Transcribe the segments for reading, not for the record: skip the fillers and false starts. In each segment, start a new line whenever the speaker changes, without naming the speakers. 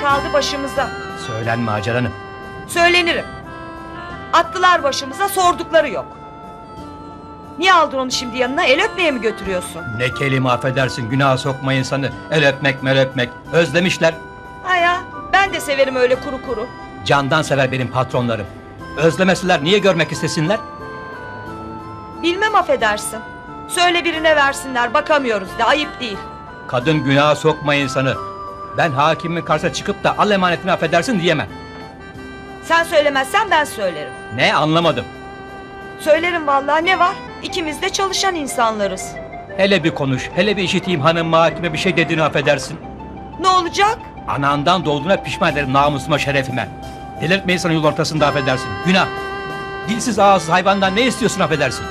kaldı başımıza.
Söylenme Hacer Hanım.
Söylenirim. Attılar başımıza, sordukları yok. Niye aldın onu şimdi yanına? El öpmeye mi götürüyorsun?
Ne kelime affedersin, günaha sokma insanı. El öpmek mel öpmek. Özlemişler.
Ha ya, ben de severim öyle kuru kuru.
Candan sever benim patronlarım. Özlemeseler niye görmek istesinler?
Bilmem, affedersin. Söyle birine versinler, bakamıyoruz de, ayıp değil.
Kadın günaha sokma insanı. Ben hakimin karşısına çıkıp da al emanetini affedersin diyemem.
Sen söylemezsen ben söylerim.
Ne, anlamadım.
Söylerim vallahi, ne var? İkimiz de çalışan insanlarız.
Hele bir konuş, hele bir işiteyim hanım hakime bir şey dediğini affedersin.
Ne olacak?
Anandan doğduğuna pişman ederim namusuma şerefime. Delirtme insanı yol ortasında affedersin. Günah. Dilsiz ağızsız hayvandan ne istiyorsun affedersin.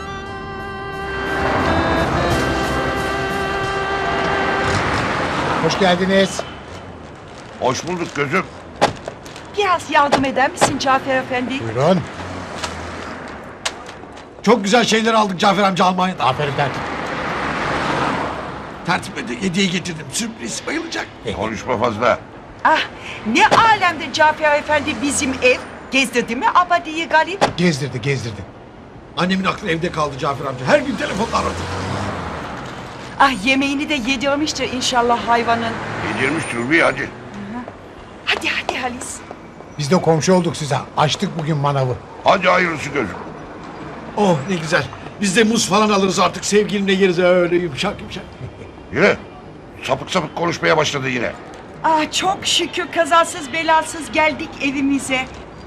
Hoş geldiniz.
Hoş bulduk gözüm.
Biraz yardım eder misin Cafer Efendi?
Buyurun.
Çok güzel şeyler aldık Cafer amca Almanya'dan.
Aferin tertip.
Tertip edin, hediye getirdim. Sürpriz, bayılacak.
Konuşma fazla.
Ah, ne alemde Cafer Efendi bizim ev. Gezdirdi mi Abadi'yi Galip?
Gezdirdi.
Annemin aklı evde kaldı Cafer amca. Her gün telefonla aradı.
Ah, yemeğini de yedirmiştir inşallah hayvanın.
Yedirmiştir bir hadi.
Hadi Halis.
Biz de komşu olduk size. Açtık bugün manavı.
Hadi hayırlısı gözüm.
Oh ne güzel. Biz de muz falan alırız artık. Sevgilimle yeriz öyle yumuşak yumuşak.
Yine sapık sapık konuşmaya başladı yine.
Ah, çok şükür kazasız belasız geldik evimize.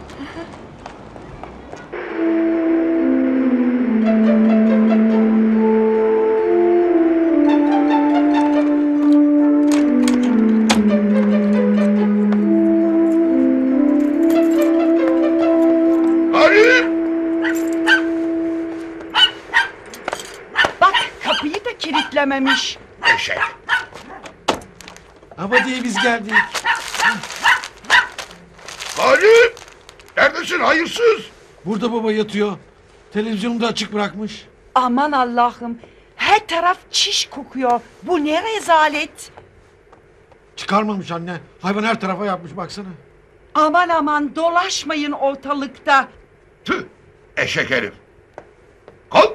Hadi.
Bak, kapıyı da kilitlememiş.
Eşek.
Ama diye biz geldik.
Hadi. Neredesin hayırsız?
Burada baba yatıyor. Televizyonu da açık bırakmış.
Aman Allah'ım, her taraf çiş kokuyor. Bu ne rezalet.
Çıkarmamış anne. Hayvan her tarafa yapmış baksana.
Aman dolaşmayın ortalıkta.
Tüh. Eşek herif. Kalk.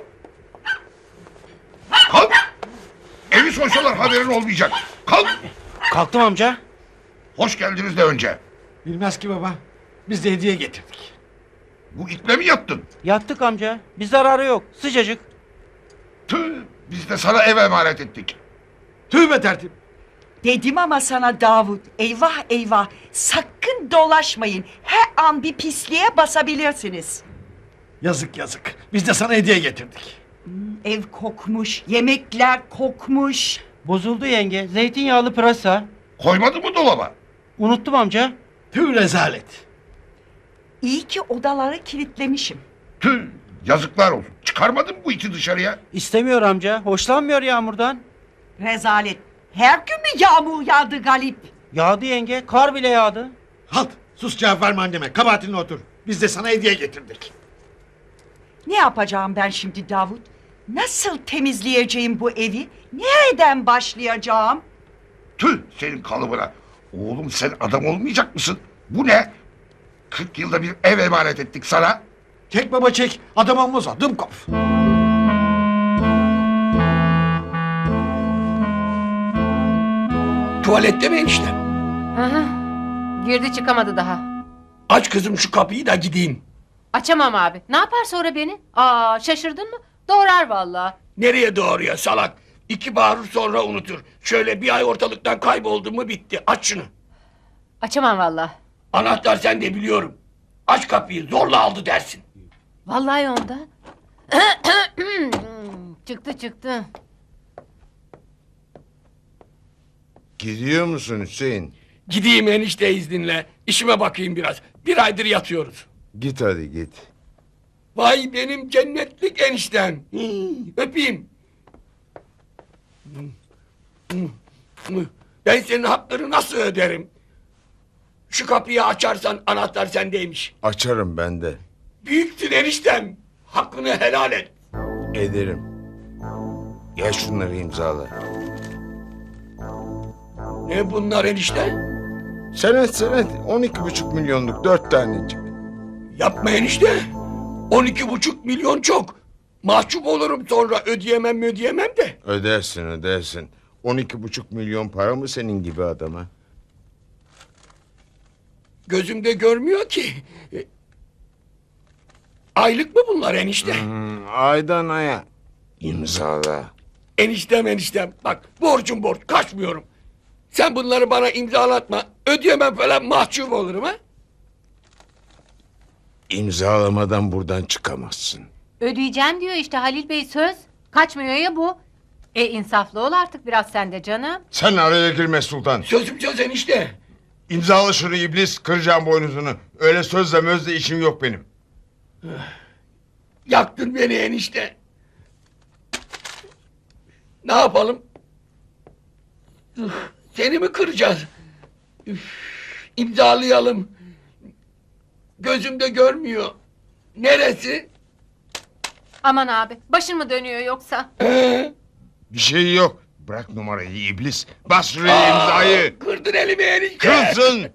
Kalk. Evi soysalar haberin olmayacak. Kalk.
Kalktım amca.
Hoş geldiniz de önce.
Bilmez ki baba. Biz de hediye getirdik.
Bu itle mi yattın?
Yattık amca. Bir zararı yok. Sıcacık.
Tüh. Biz de sana ev emanet ettik.
Tövbe tertip.
Dedim ama sana Davut, eyvah, sakın dolaşmayın. Her an bir pisliğe basabilirsiniz.
Yazık. Biz de sana hediye getirdik.
Ev kokmuş, yemekler kokmuş.
Bozuldu yenge. Zeytinyağlı pırasa.
Koymadın mı dolaba?
Unuttum amca.
Tüh rezalet.
İyi ki odaları kilitlemişim.
Tüh. Yazıklar olsun. Çıkarmadın mı bu iti dışarıya?
İstemiyor amca. Hoşlanmıyor yağmurdan.
Rezalet. Her gün mü yağmur yağdı Galip?
Yağdı yenge. Kar bile yağdı.
Halt. Sus cevap verme anneme. Kabahatinle otur. Biz de sana hediye getirdik.
Ne yapacağım ben şimdi Davut? Nasıl temizleyeceğim bu evi? Nereden başlayacağım?
Tüh senin kalıbına. Oğlum sen adam olmayacak mısın? Bu ne? 40 yılda bir ev emanet ettik sana.
Çek baba çek. Adam olmaz o. Dımkop.
Tuvalette mi enişte?
Aha, girdi çıkamadı daha.
Aç kızım şu kapıyı da gideyim.
Açamam abi. Ne yapar sonra beni? Aa, şaşırdın mı? Doğrar vallahi.
Nereye doğruya salak? 2 bağırır sonra unutur. Şöyle bir ay ortalıktan kayboldu mu bitti. Aç şunu.
Açamam vallahi.
Anahtar sende biliyorum. Aç kapıyı zorla aldı dersin.
Vallahi onda. Çıktı.
Gidiyor musun Hüseyin?
Gideyim enişte izninle. İşime bakayım biraz. 1 aydır yatıyoruz.
Git hadi git.
Vay benim cennetlik eniştem. Öpeyim. Ben senin hakları nasıl öderim? Şu kapıyı açarsan anahtar sendeymiş.
Açarım ben de.
Büyüksün eniştem. Hakkını helal et.
Ederim. Ya şunları imzala.
Ne bunlar enişte?
Senet 12,5 milyonluk 4 tanecik.
Yapma enişte. 12,5 milyon çok. Mahcup olurum sonra ödeyemem de.
Ödersin. 12,5 milyon para mı senin gibi adama?
Gözümde görmüyor ki. Aylık mı bunlar enişte?
Aydan aya. İmzala.
Eniştem. Bak borcum borç. Kaçmıyorum. Sen bunları bana imzalatma. Ödeyemem falan mahcup olurum ha.
İmzalamadan buradan çıkamazsın.
Ödeyeceğim diyor işte Halil Bey, söz. Kaçmıyor ya bu. İnsaflı ol artık biraz sen de canım.
Sen araya girme Sultan.
Sözüm söz enişte.
İmzala şunu iblis, kıracağım boynuzunu. Öyle sözle mözle işim yok benim.
Yaktın beni enişte. Ne yapalım? Seni mi kıracağız? İmzalayalım. Gözümde görmüyor. Neresi?
Aman abi, başın mı dönüyor yoksa?
Bir şey yok. Bırak numarayı iblis. Bas şuraya imzayı.
Kırdın elimi enişte.
Kırsın.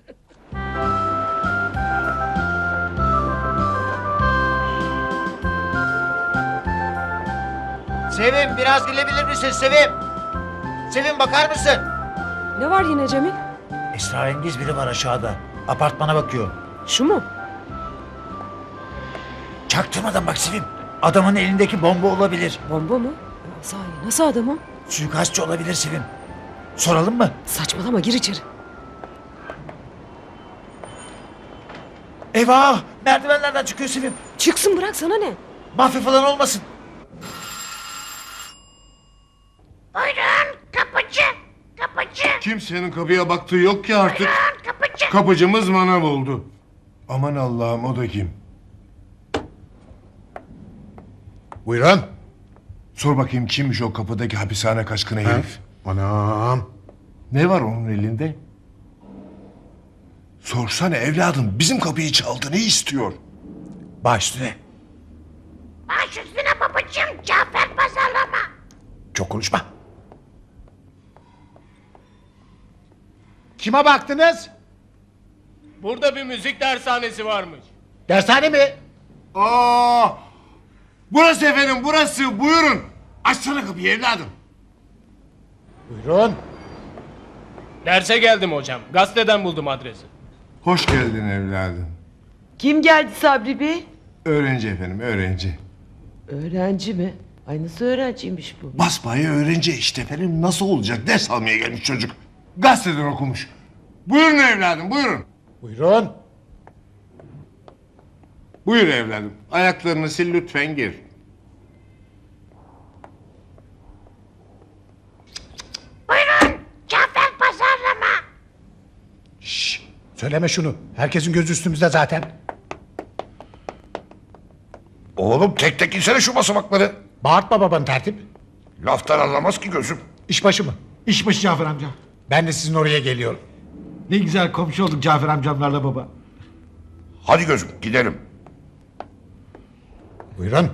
Sevim biraz gülebilir misin Sevim? Sevim bakar mısın?
Ne var yine Cemil?
Esrarengiz biri var aşağıda. Apartmana bakıyor.
Şu mu?
Çaktırmadan bak Sevim. Adamın elindeki bomba olabilir.
Bomba mı? Sahi nasıl adamım?
Suikastçı olabilir Sevim. Soralım mı?
Saçmalama, gir içeri.
Eyvah! Merdivenlerden çıkıyor Sevim.
Çıksın, bırak, sana ne?
Mafya falan olmasın.
Kimsenin kapıya baktığı yok ki artık. Kapıcımız manav oldu.
Aman Allah'ım, o da kim?
Buyurun.
Sor bakayım kimmiş o kapıdaki hapishane kaçkını herif?
Anam.
Ne var onun elinde? Sorsana evladım, bizim kapıyı çaldı, ne istiyor? Baş üstüne.
Baş üstüne babacığım, Cafer pazarlama.
Çok konuşma.
Kime baktınız?
Burada bir müzik dershanesi varmış.
Dershane mi?
Aa! Burası efendim, burası. Buyurun. Açsana kapıyı evladım.
Buyurun.
Derse geldim hocam. Gazeteden buldum adresi.
Hoş geldin evladım.
Kim geldi Sabri Bey?
Öğrenci efendim, öğrenci.
Öğrenci mi? Ay nasıl öğrenciymiş bu?
Basbayağı öğrenci işte efendim, nasıl olacak? Ders almaya gelmiş çocuk. Gazeteden okumuş. Buyurun evladım, buyurun.
Buyurun.
Buyur evladım. Ayaklarını sil lütfen, gir.
Buyurun, Cafer pazarlama.
Şşş. Söyleme şunu. Herkesin gözü üstümüzde zaten.
Oğlum tek tek insene şu basamakları.
Bağırtma babanı tertip.
Laftan anlamaz ki gözüm.
İşbaşı mı?
İşbaşı Cafer amca.
Ben de sizin oraya geliyorum.
Ne güzel komşu olduk Cafer amcamlarla baba.
Hadi gözüm gidelim.
Buyurun.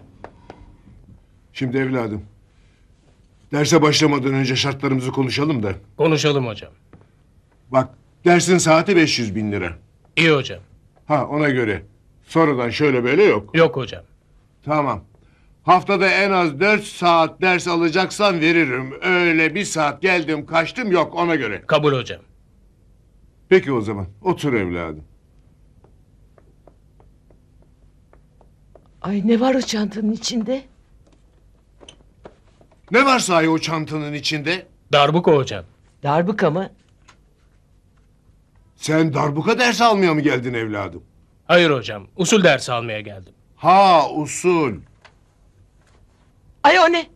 Şimdi evladım. Derse başlamadan önce şartlarımızı konuşalım da.
Konuşalım hocam.
Bak, dersin saati 500 bin lira.
İyi hocam.
Ha, ona göre. Sonradan şöyle böyle yok.
Yok hocam.
Tamam. Haftada en az 4 saat ders alacaksan veririm. Öyle bir saat geldim kaçtım yok, ona göre.
Kabul hocam.
Peki o zaman. Otur evladım.
Ay ne var o çantanın içinde?
Ne var sahi o çantanın içinde?
Darbuka hocam.
Darbuka mı?
Sen darbuka dersi almaya mı geldin evladım?
Hayır hocam. Usul dersi almaya geldim.
Ha, usul.
Ay o ne?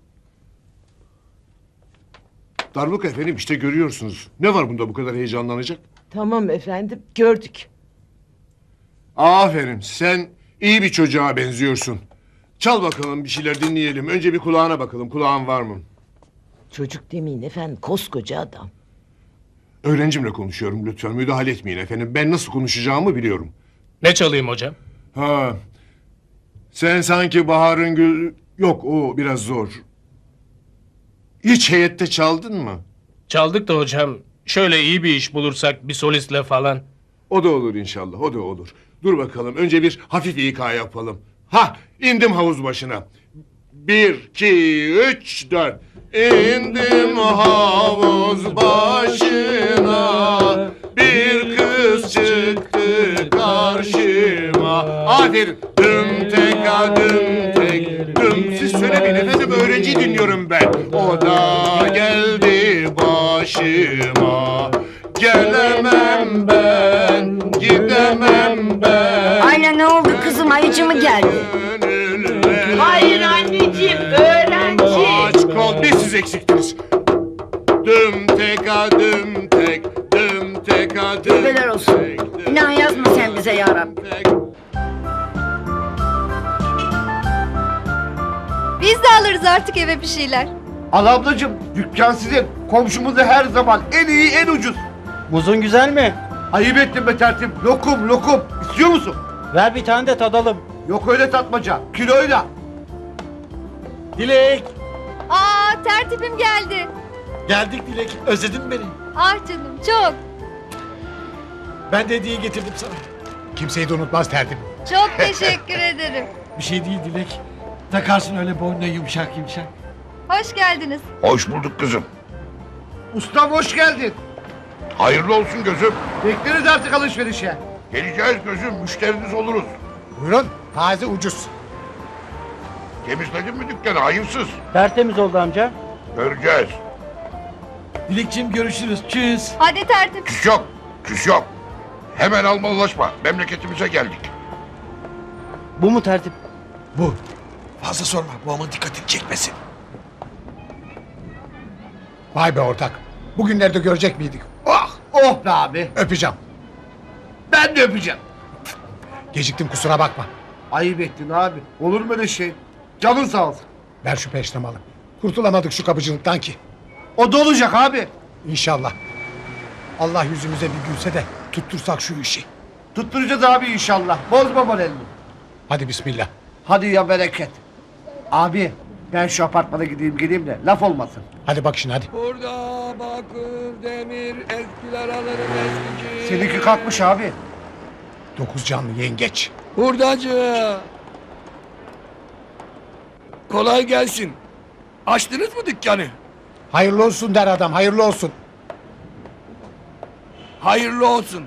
Darbuka efendim, işte görüyorsunuz. Ne var bunda bu kadar heyecanlanacak?
Tamam efendim, gördük.
Aferin, sen iyi bir çocuğa benziyorsun. Çal bakalım, bir şeyler dinleyelim. Önce bir kulağına bakalım, kulağın var mı?
Çocuk demeyin efendim, koskoca adam.
Öğrencimle konuşuyorum, lütfen müdahale etmeyin efendim. Ben nasıl konuşacağımı biliyorum.
Ne çalayım hocam?
Ha, sen sanki Bahar'ın gül... Yok, o biraz zor. Hiç heyette çaldın mı?
Çaldık da hocam.
Şöyle iyi bir iş bulursak bir solistle falan.
O da olur inşallah, o da olur. Dur bakalım, önce bir hafif İK yapalım. Ha, indim havuz başına. 1, 2, 3, 4. İndim havuz başına, bir kız çıktı karşıma. Aferin. Dım tek adım tek dım. Siz söylemeyin efendim, öğrenci dinliyorum ben. O da geldi başıma. Gelemem ben, gidemem ben.
Aynen, ne oldu kızım, ayıcı mı geldi?
Hayır anneciğim, öğrenci.
Aç kol, bir siz eksiktiniz. Dım tek adım tek, dım tek adım
Tövbeler olsun.
tek, dım
Günah yazma sen bize ya Rabbi.
tek.
Biz de alırız artık eve bir şeyler.
Al ablacığım, dükkan sizin. Komşumuz da her zaman en iyi en ucuz.
Muzun güzel mi?
Ayıp ettin be tertip. Lokum lokum. İstiyor musun?
Ver bir tane de tadalım.
Yok öyle tatmaca. Kiloyla.
Dilek.
Aa, tertibim geldi.
Geldik Dilek. Özledin beni.
Ah canım, çok.
Ben de hediye getirdim sana. Kimseyi de unutmaz tertibim.
Çok teşekkür ederim.
Bir şey değil Dilek. Takarsın öyle boynuna yumuşak yumuşak.
Hoş geldiniz.
Hoş bulduk kızım.
Ustam hoş geldin.
Hayırlı olsun gözüm.
Bekleriz artık alışverişe.
Geleceğiz gözüm, müşteriniz oluruz.
Buyurun. Taze ucuz.
Temizledin mi dükkanı hayırsız?
Tertemiz oldu amca.
Göreceğiz.
Dilekçim görüşürüz. Çüz.
Hadi tertip.
Küs yok, küs yok. Hemen almalılaşma. Memleketimize geldik.
Bu mu tertip?
Bu. Fazla sorma. Bu ama dikkatini çekmesin. Vay be ortak. Bugünlerde görecek miydik?
Oh, oh be abi.
Öpeceğim.
Ben de öpeceğim.
Geciktim kusura bakma.
Ayıp ettin abi. Olur mu öyle şey? Canın sağ olsun.
Ver şu peştemalı. Kurtulamadık şu kapıcılıktan ki.
O da olacak abi.
İnşallah. Allah yüzümüze bir gülse de tuttursak şu işi.
Tutturacağız abi inşallah. Bozma moralini.
Hadi bismillah.
Hadi ya bereket. Abi ben şu apartmana gideyim geleyim de laf olmasın.
Hadi bak şimdi hadi.
Burada bakır, demir, eskiler alırım eskici.
Seninki kalkmış abi.
9 canlı yengeç.
Hurdacı. Kolay gelsin. Açtınız mı dükkanı?
Hayırlı olsun der adam hayırlı olsun.
Hayırlı olsun.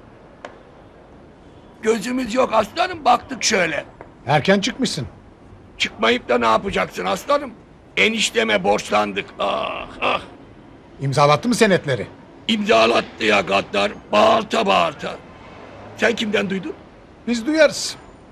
Gözümüz yok aslanım, baktık şöyle.
Erken çıkmışsın.
Çıkmayıp da ne yapacaksın aslanım? Enişteme borçlandık. Ah ah.
İmzalattı mı senetleri?
İmzalattı ya gaddar. Bağırta bağırta. Sen kimden duydun?
Biz duyarız.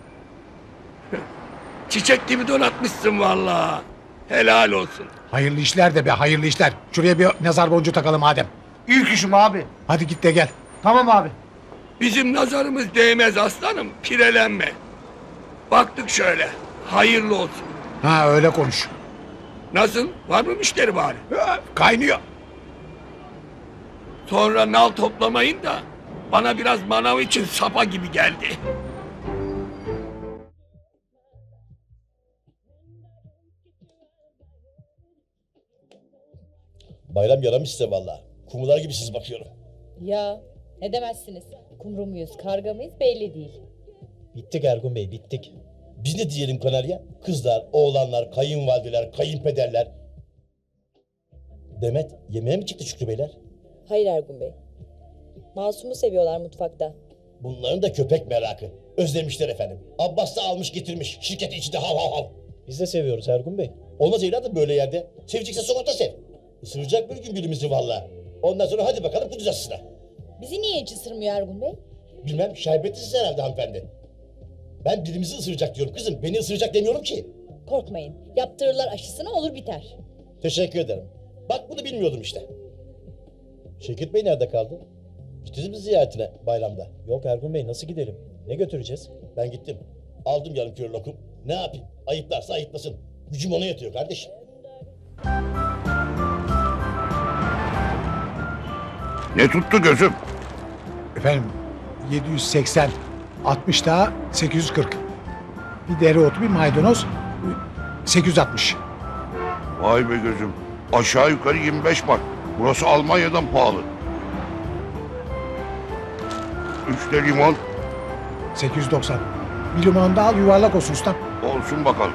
Çiçek gibi donatmışsın vallahi. Helal olsun.
Hayırlı işler de be hayırlı işler. Şuraya bir nazar boncuğu takalım Adem.
İlk işim abi.
Hadi git de gel.
Tamam abi.
Bizim nazarımız değmez aslanım. Pirelenme. Baktık şöyle. Hayırlı olsun.
Ha öyle konuş.
Nasıl? Var mı müşteri bari?
Kaynıyor.
Sonra nal toplamayın da bana biraz manav için sapa gibi geldi.
Bayram yaramış size valla. Kumrular gibi siz bakıyorum.
Ya, ne demezsiniz? Kumru muyuz, karga mıyız belli değil.
Bittik Ergun Bey, bittik. Biz ne diyelim kanarya? Kızlar, oğlanlar, kayınvalideler, kayınpederler. Demet, yemeğe mi çıktı Şükrü Beyler?
Hayır Ergun Bey. Masum'u seviyorlar mutfakta.
Bunların da köpek merakı. Özlemişler efendim. Abbas da almış getirmiş. Şirketi içinde hav hav hav. Biz de seviyoruz Ergun Bey. Olmaz evladım böyle yerde. Sevecekse sokakta sev. Isıracak bir gün birimizi valla. Ondan sonra hadi bakalım kutu yasasına.
Bizi niye hiç ısırmıyor Ergun Bey?
Bilmem şerbetlisiz herhalde hanımefendi. Ben birimizi ısıracak diyorum kızım. Beni ısıracak demiyorum ki.
Korkmayın. Yaptırırlar aşısını olur biter.
Teşekkür ederim. Bak bunu bilmiyordum işte. Şevket Bey nerede kaldı? Gittiniz mi ziyaretine bayramda? Yok Ergun Bey nasıl gidelim? Ne götüreceğiz? Ben gittim. Aldım yarım kilo lokum. Ne yapayım? Ayıplarsa ayıplasın. Gücüm ona yatıyor kardeşim.
Ne tuttu gözüm?
Efendim 780 60 daha 840. Bir dereotu bir maydanoz 860.
Vay be gözüm. Aşağı yukarı 25 mark. Burası Almanya'dan pahalı. 3 de limon.
890. Bir limon da al yuvarlak olsun ustam.
Olsun bakalım.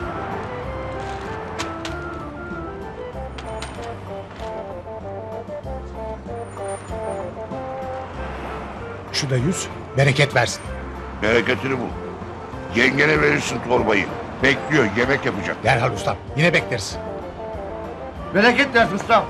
Şu da 100. Bereket versin.
Bereketini bul. Yengene verirsin torbayı. Bekliyor, yemek yapacak.
Derhal ustam. Yine bekleriz.
Bereket versin ustam.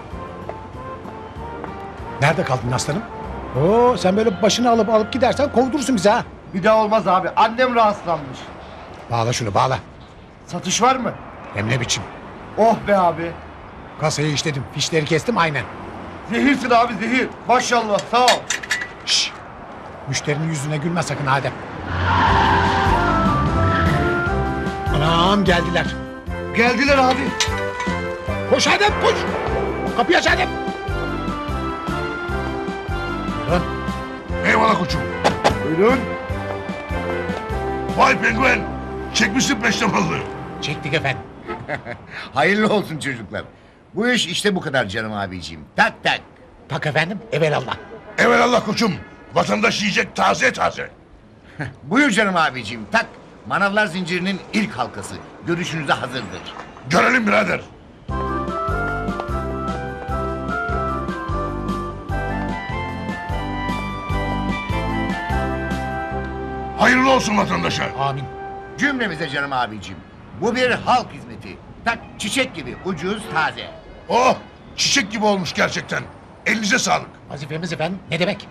Nerede kaldın aslanım? Oo, sen böyle başını alıp gidersen kovdurursun bizi ha.
Bir daha olmaz abi. Annem rahatsızlanmış.
Bağla şunu bağla.
Satış var mı?
Hem ne biçim.
Oh be abi.
Kasayı işledim. Fişleri kestim aynen.
Zehirsin abi zehir. Maşallah sağ ol.
Şşş. Müşterinin yüzüne gülme sakın Adem. Anam geldiler.
Geldiler abi.
Koş Adem koş. Kapıyı aç Adem. Buyurun.
Eyvallah koçum.
Buyurun.
Vay penguen. Çekmişsin peştemallı.
Çektik efendim.
Hayırlı olsun çocuklar. Bu iş işte bu kadar canım abiciğim. Tak tak.
Tak efendim evelallah.
Evelallah koçum. Vatandaş yiyecek taze taze.
Buyur canım abiciğim tak. Manavlar zincirinin ilk halkası. Görüşünüze hazırdır.
Görelim birader. Hayırlı olsun vatandaşa.
Amin.
Cümlemize canım abiciğim. Bu bir halk hizmeti. Tak çiçek gibi ucuz taze.
Oh, çiçek gibi olmuş gerçekten. Elinize sağlık.
Vazifemiz efendim ne demek?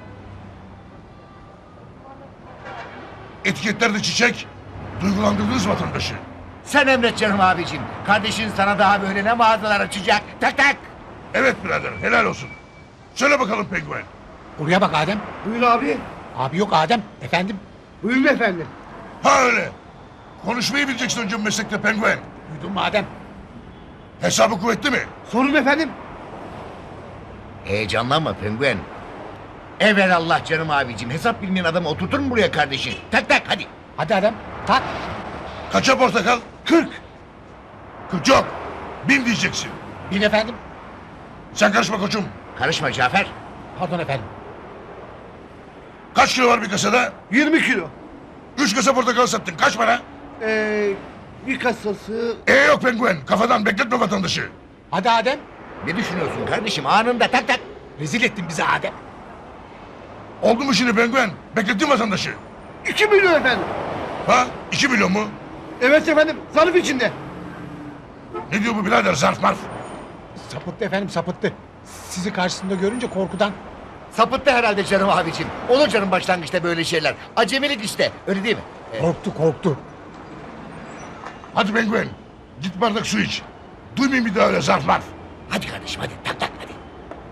Etiketlerde çiçek. Duygulandırdınız vatandaşı.
Sen emret canım abiciğim. Kardeşin sana daha böyle ne mağazalar açacak. Tak tak.
Evet birader, helal olsun. Söyle bakalım penguen.
Buraya bak Adem.
Buyur abi.
Abi yok Adem. Efendim.
Buyurun efendim.
Ha öyle. Konuşmayı bileceksin önce bu meslekte penguen.
Duydun mu Adem?
Hesabı kuvvetli mi?
Sorun efendim.
Heyecanlanma penguen. Evelallah canım abiciğim. Hesap bilmeyen adamı oturtur mu buraya kardeşin? Tak tak hadi.
Hadi Adem. Tak.
Kaça portakal? 40. 40 yok. 1000 diyeceksin.
Bin efendim.
Sen karışma koçum.
Karışma Cafer.
Pardon efendim.
Kaç kilo var bir kasada?
20 kilo.
3 kasa portakal sattın. Kaç para?
Bir kasası...
Yok penguen. Kafadan bekletme vatandaşı.
Hadi Adem.
Ne düşünüyorsun kardeşim? Anında tak tak.
Rezil ettin bizi Adem.
Oldu mu şimdi penguen? Beklettin vatandaşı.
2 milyon efendim.
Ha? 2 milyon mu?
Evet efendim. Zarf içinde.
Ne diyor bu birader zarf marf?
Sapıttı efendim sapıttı. Sizi karşısında görünce korkudan.
Sapıttı herhalde canım abicim. Olur canım başlangıçta böyle şeyler. Acemilik işte. Öyle değil mi?
Korktu.
Hadi penguen. Git bardak su iç. Duymayayım bir daha öyle zarf marf.
Hadi kardeşim hadi tak tak hadi.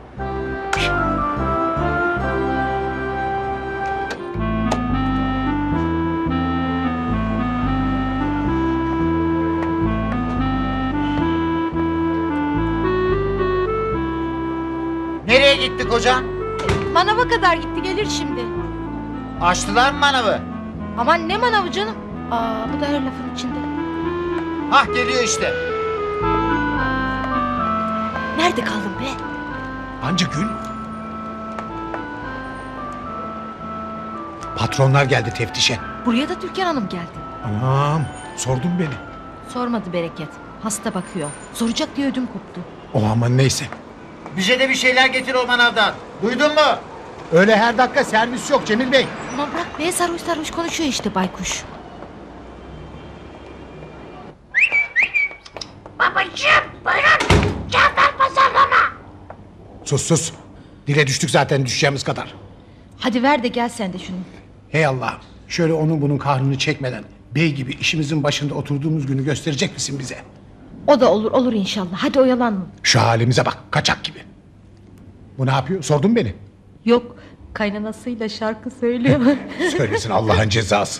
Nereye gittik hocam?
Manava kadar gitti gelir şimdi.
Açtılar mı manavı?
Aman ne manavı canım? Aa bu da her lafın içinde.
Hah geliyor işte.
Nerede kaldın be?
Anca gün. Patronlar geldi teftişe.
Buraya da Türkan Hanım geldi.
Anam sordun beni.
Sormadı Bereket. Hasta bakıyor. Soracak diye ödüm koptu.
O aman neyse.
Bize de bir şeyler getir o manavdan. Duydun mu?
Öyle her dakika servis yok Cemil Bey.
Aman bırak be sarhoş konuşuyor işte baykuş.
Babacığım buyurun. Cafer pazarlama.
Sus. Dile düştük zaten düşeceğimiz kadar.
Hadi ver de gel sen de şunu.
Hey Allah. Şöyle onun bunun kahrını çekmeden bey gibi işimizin başında oturduğumuz günü gösterecek misin bize?
O da olur inşallah. Hadi oyalanma.
Şu halimize bak kaçak gibi. Bu ne yapıyor? Sordun beni.
Yok kaynanasıyla şarkı söylüyor.
Söylesin Allah'ın cezası.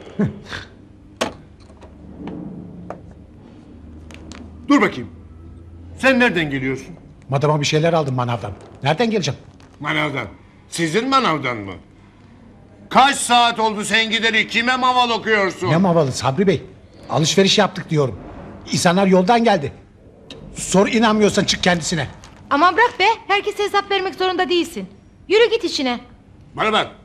Dur bakayım. Sen nereden geliyorsun?
Madama bir şeyler aldım manavdan. Nereden geleceğim?
Manavdan. Sizin manavdan mı? Kaç saat oldu sen gideri? Kime maval okuyorsun?
Ne mavalı Sabri Bey? Alışveriş yaptık diyorum. İnsanlar yoldan geldi. Sor inanmıyorsan çık kendisine.
Aman bırak be. Herkese hesap vermek zorunda değilsin. Yürü git içine.
Bana bak.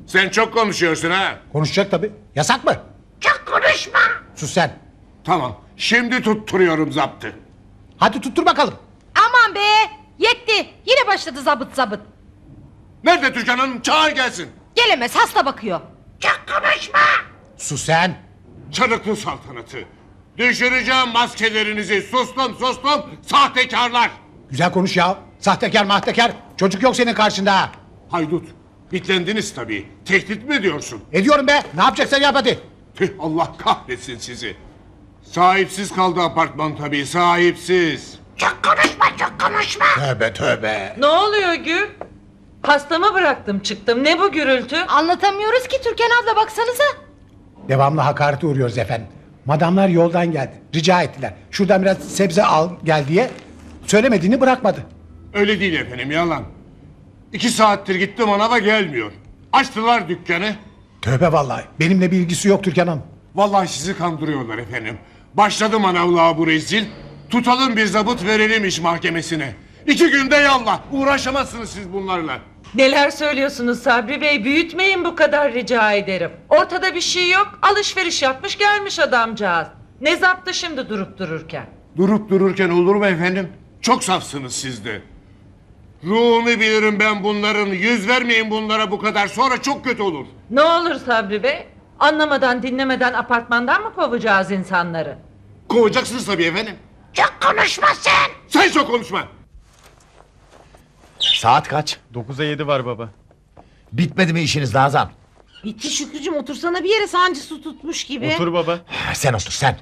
Sen çok konuşuyorsun ha.
Konuşacak tabii. Yasak mı?
Çok konuşma.
Sus sen.
Tamam. Şimdi tutturuyorum zaptı.
Hadi tuttur bakalım.
Aman be! Yetti. Yine başladı zabıt zabıt.
Nerede Türkan Hanım? Çağır gelsin.
Gelemez, hasta bakıyor.
Çok konuşma.
Sus sen.
Çarıklı saltanatı. Düşüreceğim maskelerinizi. Sustum sahtekarlar.
Güzel konuş ya. Sahtekar mahtekar. Çocuk yok senin karşında ha.
Haydut. Bitlendiniz tabii. Tehdit mi ediyorsun?
Ediyorum be. Ne yapacaksan yap hadi.
Tüh, Allah kahretsin sizi. Sahipsiz kaldı apartman tabii, sahipsiz.
Çok konuşma.
Tövbe tövbe.
Ne oluyor Gül? Hastamı bıraktım çıktım. Ne bu gürültü?
Anlatamıyoruz ki Türkan abla, baksanıza.
Devamlı hakarete uğruyoruz efendim. Madamlar yoldan geldi. Rica ettiler. Şuradan biraz sebze al gel diye. Söylemediğini bırakmadı.
Öyle değil efendim, yalan. 2 saattir gittim manava gelmiyor. Açtılar dükkanı.
Tövbe vallahi. Benimle bir ilgisi yok Türkan Hanım.
Vallahi sizi kandırıyorlar efendim. Başladı manavlığa bu rezil. Tutalım bir zabıt verelim iş mahkemesine. 2 günde yallah. Uğraşamazsınız siz bunlarla.
Neler söylüyorsunuz Sabri Bey? Büyütmeyin bu kadar rica ederim. Ortada bir şey yok. Alışveriş yapmış gelmiş adamcağız. Ne zaptı şimdi durup dururken?
Durup dururken olur mu efendim? Çok safsınız siz de. Ruhunu bilirim ben bunların. Yüz vermeyin bunlara bu kadar. Sonra çok kötü olur.
Ne olur Sabri Bey? Anlamadan dinlemeden apartmandan mı kovacağız insanları?
Kovacaksınız tabii efendim.
Çok konuşma sen.
Sen çok konuşma.
Saat kaç?
9'a 7 var baba.
Bitmedi mi işiniz Nazan?
Bitti Şükrücüğüm, otursana bir yere, sancı su tutmuş gibi.
Otur baba.
Sen otur sen.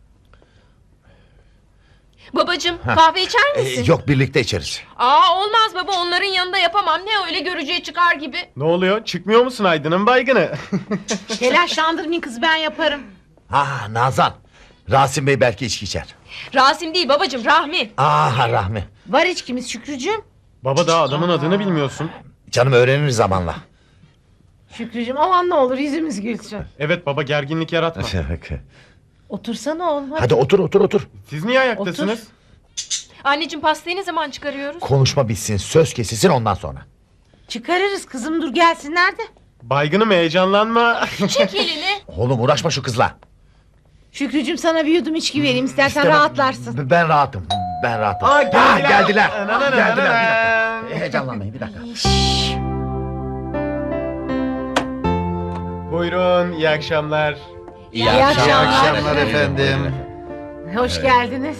Babacığım kahve içer misin?
Yok birlikte içeriz.
Aa olmaz baba, onların yanında yapamam. Ne öyle görücüye çıkar gibi.
Ne oluyor? Çıkmıyor musun Aydın'ın baygını?
Telaşlandırmayın kız, ben yaparım.
Ha Nazan. Rasim Bey belki içki içer.
Rasim değil babacığım, Rahmi.
Aha Rahmi.
Var içkimiz Şükrücüğüm.
Baba daha adamın adını bilmiyorsun.
Canım öğreniriz zamanla.
Şükrücüğüm aman ne olur yüzümüz gülsün.
Evet baba, gerginlik yaratma.
Otursana oğlum hadi.
Hadi otur.
Siz niye ayaktasınız?
Anneciğim pastayı ne zaman çıkarıyoruz?
Konuşma bitsin, söz kesilsin ondan sonra.
Çıkarırız kızım, dur gelsinler de.
Baygınım, heyecanlanma.
Çek elini.
Oğlum uğraşma şu kızla.
Şükrücüğüm sana bir yudum içki vereyim istersen,
İstemem.
rahatlarsın.
Ben rahatım.
Aa,
geldiler.
Geldiler.
Bir dakika. Heyecanlanmayın bir dakika.
Buyurun, iyi akşamlar.
İyi akşamlar
efendim.
Hoş geldiniz.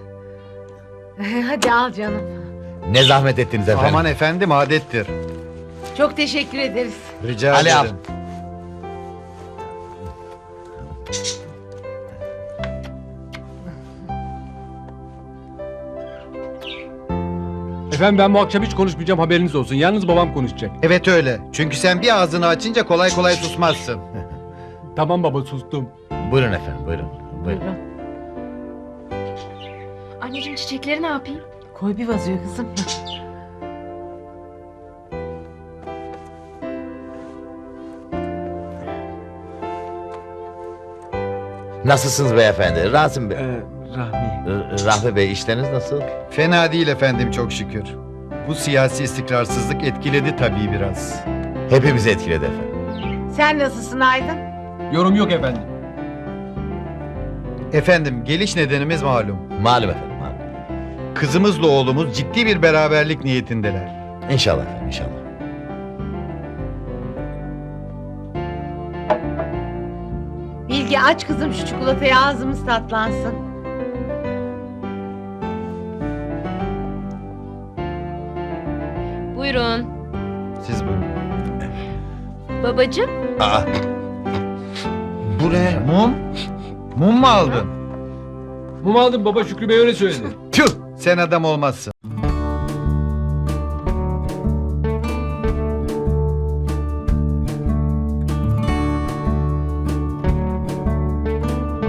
Hadi al canım.
Ne zahmet ettiniz efendim.
Aman efendim, adettir.
Çok teşekkür ederiz.
Rica
Ali al.
ederim.
Efendim ben bu akşam hiç konuşmayacağım, haberiniz olsun. Yalnız babam konuşacak.
Evet öyle. Çünkü sen bir ağzını açınca kolay kolay susmazsın.
Tamam baba, sustum.
Buyurun efendim buyurun.
Anneciğim çiçekleri ne yapayım?
Koy bir vazoya kızım.
Nasılsınız beyefendi? Rasim Bey.
Rahmi.
Rahmi Bey işleriniz nasıl?
Fena değil efendim, çok şükür. Bu siyasi istikrarsızlık etkiledi tabii biraz.
Hepimizi etkiledi efendim.
Sen nasılsın Aydın?
Yorum yok efendim.
Efendim, geliş nedenimiz malum.
Malum efendim malum.
Kızımızla oğlumuz ciddi bir beraberlik niyetindeler.
İnşallah efendim inşallah.
Bilge aç kızım şu çikolatayı, ağzımız tatlansın.
Buyurun.
Siz buyurun.
Babacığım.
Aa,
Bu ne? Mum? Mum mu aldın?
Mum aldım baba, Şükrü Bey öyle söyledi.
Tüh! Sen adam olmazsın.